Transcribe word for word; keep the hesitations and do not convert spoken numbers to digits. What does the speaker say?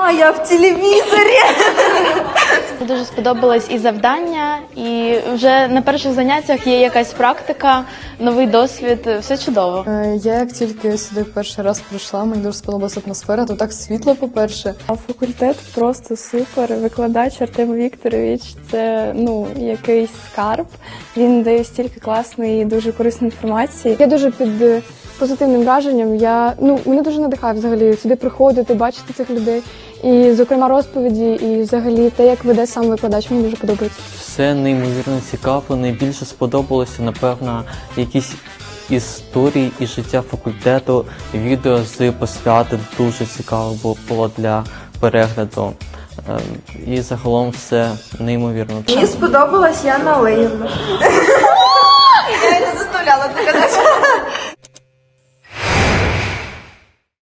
А я в телевізорі. Мені дуже сподобалось і завдання, і вже на перших заняттях є якась практика, новий досвід, все чудово. Я як тільки сюди перший раз прийшла, мені дуже сподобалася атмосфера, тут так світло, по-перше. А факультет просто супер. Викладач Артем Вікторович – це ну якийсь скарб. Він дає стільки класної і дуже корисної інформації. Я дуже під позитивним враженням. Я ну мене дуже надихає взагалі сюди приходити, бачити цих людей. І, зокрема, розповіді, і взагалі те, як веде сам викладач, мені дуже подобається. Все неймовірно цікаво. Найбільше сподобалося, напевно, якісь історії і життя факультету. Відео з посвяти дуже цікаво було для перегляду. І загалом все неймовірно. Мені сподобалась Яна Олегівна. Я не заставляла це казати.